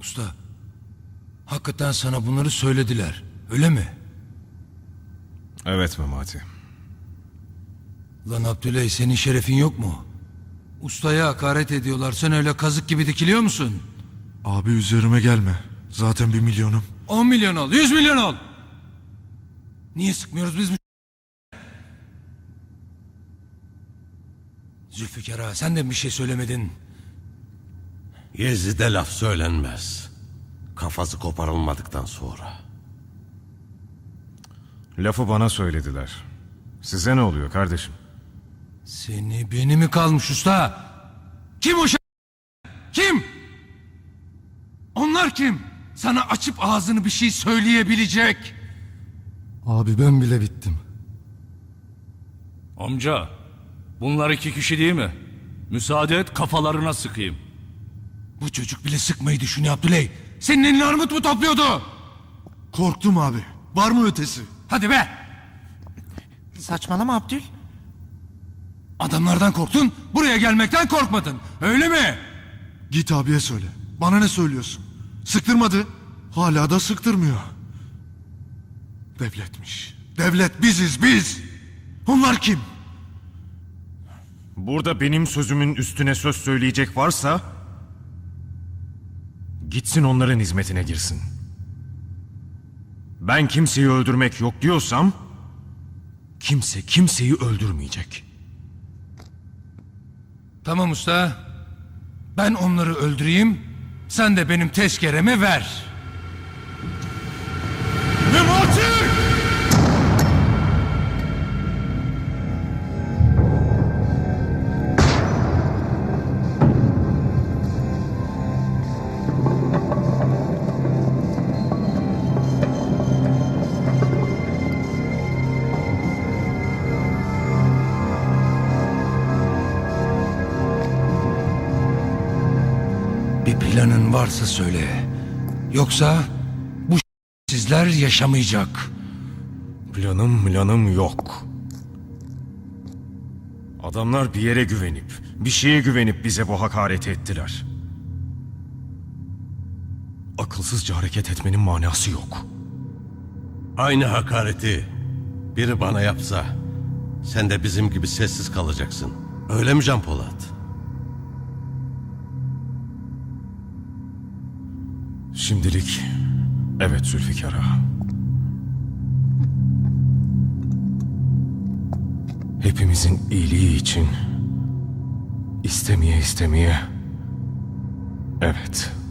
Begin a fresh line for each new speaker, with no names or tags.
Usta, hakikaten sana bunları söylediler, öyle mi?
Evet Memati.
Lan Abdüley, senin şerefin yok mu? Ustaya hakaret ediyorlar, sen öyle kazık gibi dikiliyor musun?
Abi üzerime gelme. Zaten 1 milyonum.
10 milyon ol, 100 milyon ol! Niye sıkmıyoruz biz bu... Zülfikar ağa, sen de bir şey söylemedin.
Yezid'e laf söylenmez. Kafası koparılmadıktan sonra.
Lafı bana söylediler. Size ne oluyor kardeşim?
Seni beni mi kalmış usta? Kim o Kim? Onlar kim? Sana açıp ağzını bir şey söyleyebilecek.
Abi ben bile bittim.
Amca, bunlar 2 kişi değil mi? Müsaade et kafalarına sıkayım.
Bu çocuk bile sıkmayı düşünüyor Abdüley. Senin elini armut mu topluyordu?
Korktum abi. Var mı ötesi?
Hadi be!
Saçmalama Abdül.
Adamlardan korktun, buraya gelmekten korkmadın. Öyle mi?
Git abiye söyle. Bana ne söylüyorsun? Sıktırmadı. Hala da sıktırmıyor. Devletmiş. Devlet biziz biz. Onlar kim?
Burada benim sözümün üstüne söz söyleyecek varsa... gitsin onların hizmetine girsin. Ben kimseyi öldürmek yok diyorsam... kimse kimseyi öldürmeyecek.
Tamam usta. Ben onları öldüreyim. Sen de benim tezkeremi ver.
Memati!
Bir planın varsa söyle. Yoksa bu sizler yaşamayacak.
Planım yok. Adamlar bir yere güvenip, bir şeye güvenip bize bu hakareti ettiler. Akılsızca hareket etmenin manası yok.
Aynı hakareti biri bana yapsa sen de bizim gibi sessiz kalacaksın. Öyle mi Can Polat?
Şimdilik evet Zülfikar ağa. Hepimizin iyiliği için istemeye evet.